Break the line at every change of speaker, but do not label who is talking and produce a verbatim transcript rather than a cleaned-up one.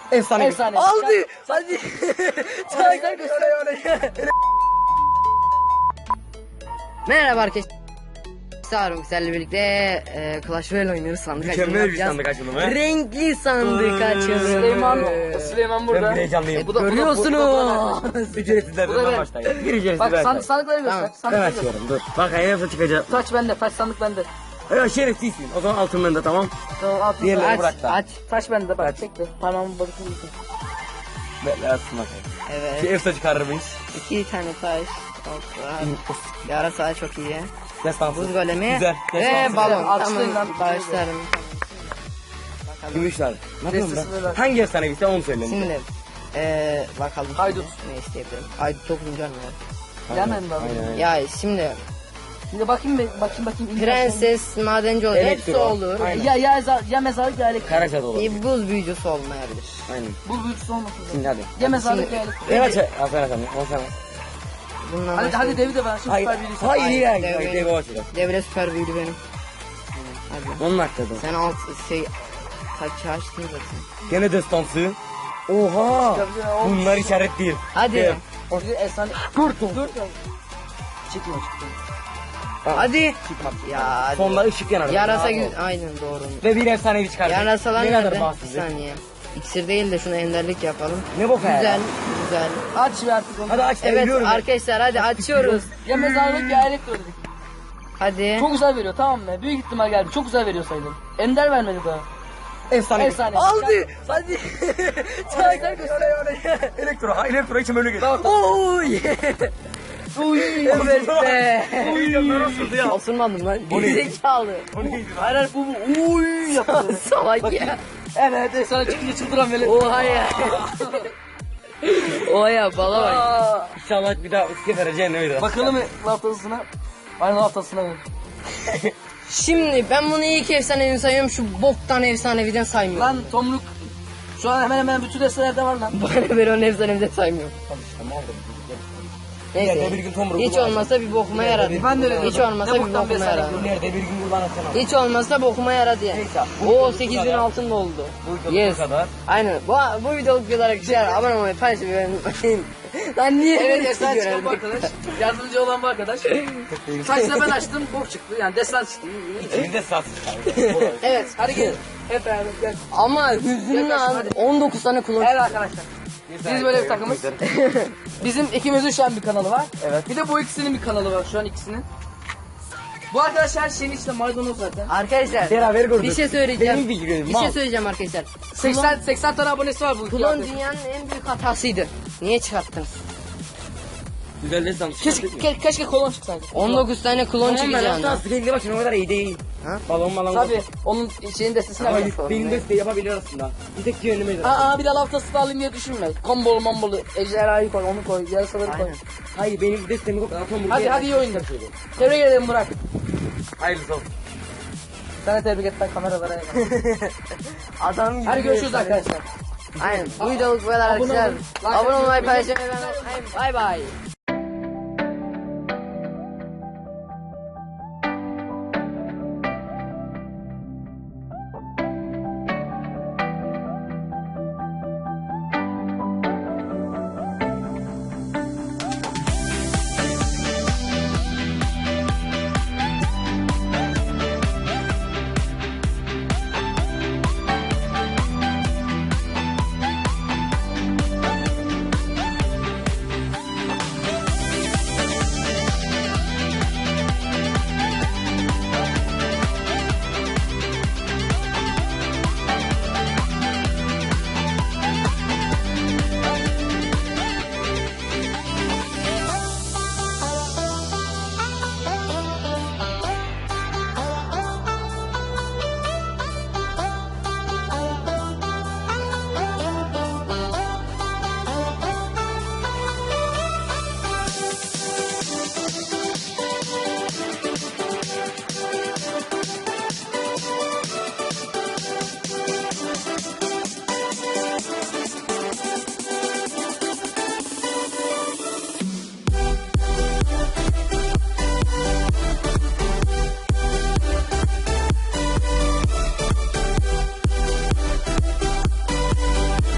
Efsane.
Efsane.
Aldı.
Sen-
Hadi.
Göster, göster.
Merhaba arkadaşlar. Sarım sizlerle birlikte e, Clash Royale oynuyoruz, sandık açılımı
Mükemmel bir
yapacağız.
sandık açılımı.
Renkli sandık açılımı.
Süleyman, Süleyman
Ben
burada.
bir heyecanlıyım.
E,
Bu da- bu da-
görüyorsunuz.
Ücretsizlerden
Bu da
ben
ben.
başlayayım. Bir ücretsiz
Bak
ben.
sandık, sandıkları göster.
Tamam.
Ben
Sandıkları göster.
açıyorum dur. Bak ayağımıza çıkacak.
Taç bende, taç sandık bende.
Ya şerefsizsin. O zaman altın bende tamam.
Tamam, altın
Diğerleri
sandık.
Aç,
bırak da.
aç.
Taç bende bak, çekti. Parmağımı bakayım.
Bekle açsın bakayım.
Evet.
Şu efsa çıkarır mıyız?
İki tane taş. Yara saha çok iyi.
Destansı.
Buz golemi
Güzel.
ve
Destansı.
balon.
Alkışlayın
Tamam,
lan.
başlarım.
Gümüşler. Ne yapıyorsun
Destası
bırak?
böyle.
Hangi efsane gitti onu söyleyin.
Şimdi eee bakalım.
Haydut.
Ne isteyebilirim? Haydut çok güncel mi?
Gelmedin daha.
Aynen, aynen.
Ya şimdi
Bir de bakayım bir- bakayım bakayım. İlk
prenses, madenci olur. Hepsi
Elektro.
olur.
Aynen.
Ya ya mezar, ya mezarlık ya elektrik.
Karaca da olur.
Bir buz büyücüsü olmayabilir.
Aynen.
Bu büyüksü olmasın.
Şimdi hadi.
Ya mezarlık
Şimdi-
ya elektrik.
Evet aç. Aferin efendim. On sana.
Bundan
Hadi
başka-
hadi devi de ben şimdi
Hayır.
süper birisi.
Hayır
Hayır,
ya.
dev
Hayır
benim.
dev o açıdan.
Devre süper büyücü benim. Hadi.
Onun hakkında.
Sen alt şey kaç açtın zaten.
Gene destansı. Oha. Bunlar işaret değil.
Hadi.
Dev.
Orada efsane.
Kurtul.
Dur. Çıkma çıkma.
Hadi.
Çıkmaz.
Ya hadi.
Sonunda ışık yanar.
Yarasa
Ya,
güzel. Aynen doğru.
Ve bir efsanevi çıkardık.
Yarasalar
Ne kadar
nerede? Bir
bahtsızlık.
saniye. İksir değil de şunu enderlik yapalım.
Ne boka ya?
Güzel, güzel.
Aç bir artık onu.
Hadi aç da
Evet
biliyorum.
arkadaşlar hadi açıyoruz.
Ya mezarlık ya elektrik.
Hadi.
Çok güzel veriyor tamam mı? Büyük ihtimal geldi. Çok güzel veriyor sayılır. Ender vermedi daha.
Efsane.
Efsane.
Aldı.
Hadi.
Göster göster.
Elektro. Ha elektro içim öyle geliyor.
Oy.
Uy.
Evet be.
Nasıldı ya?
Osurmadım lan.
O neydi?
Zekalı.
O neydi lan?
Hayır hayır bu bu. Uy yapıyor.
Salak ya.
Evet efsane çıkınca çıldıran velet.
Oha ya. Oha ya bala bak.
Aa.
İnşallah bir daha ıske vereceğin öyle.
Bakalım haftasına. Aynı haftasına ver.
Şimdi ben bunu ilk efsanevi sayıyorum, şu boktan efsaneviden saymıyorum.
Lan tomruk. Şu an hemen hemen bütün eserlerde var lan.
Bana ben onun efsaneviden saymıyorum.
Nerede bir
Neyse.
gün tomruğu
Hiç
kullanırsın.
olmazsa bir bokuma yaradı.
Ben de öyle
Hiç
diyorum.
olmazsa
Ne
bir
boktan
bokuma
beslenme
yaradı.
Nerede bir gün kullanırsın.
Hiç olmazsa bokuma yaradı yani.
Neyse.
Oo sekiz bin altın da oldu.
Bu videoluk
Yes.
bu kadar.
Aynen. Bu, bu videoluk kadar arkadaşlar abone olmayı paylaşmayı unutmayın. Lan niye
Evet
böyle
desen
çıkıyor
çıkan bu
herhalde?
arkadaş. Yardımcı olan bu arkadaş. Saçla ben açtım bok çıktı. Yani desen çıktı.
İçinde sas çıkar.
Evet hadi gelin. Hep beraber gel.
Ama hüzünlü an
Hadi.
on dokuz tane kulak.
Evet arkadaşlar. Biz böyle bir takımız. Bizim ikimizin şu an bir kanalı var.
Evet.
Bir de bu ikisinin bir kanalı var şu an ikisinin. Bu arkadaş her şeyin içinde maydanoz zaten.
Arkadaşlar
Beraber gördük.
bir şey söyleyeceğim.
Benim bilgilerim,
Bir
mal.
şey söyleyeceğim arkadaşlar.
seksen seksen tane abonesi var bu iki
Klon
arkadaşın.
dünyanın en büyük hatasıydı. Niye çıkarttınız?
Güzel destan.
Keşke, ke- keşke kolon çıksaydı.
on dokuz tane klon
Tamam ben
çıkacağını.
asla sıkıntı bak şimdi o kadar iyi değil.
Ha?
Balon balon.
Tabii onun şeyin destesini
Ama
yapalım.
benim de yapabilir aslında. Bir tek yönüme de.
Aa bir de laftası da alayım diye düşünme. Kombolu mombolu ejderhayı koy onu koy yarısaları koy.
Aynen.
Hayır benim destemi yok.
Hadi hadi iyi oyunda. Tebrik ederim Burak.
Hayırlısı olsun.
Sana tebrik et ben kameralara eyvallah.
Adam gibi.
Hadi
bir
görüşürüz
efsane.
arkadaşlar.
Aynen. Bu videoluk bu kadar
Abone
arkadaşlar.
olun, like
Abone olmayı
atmayı
paylaşmayı unutmayın. Bay bay.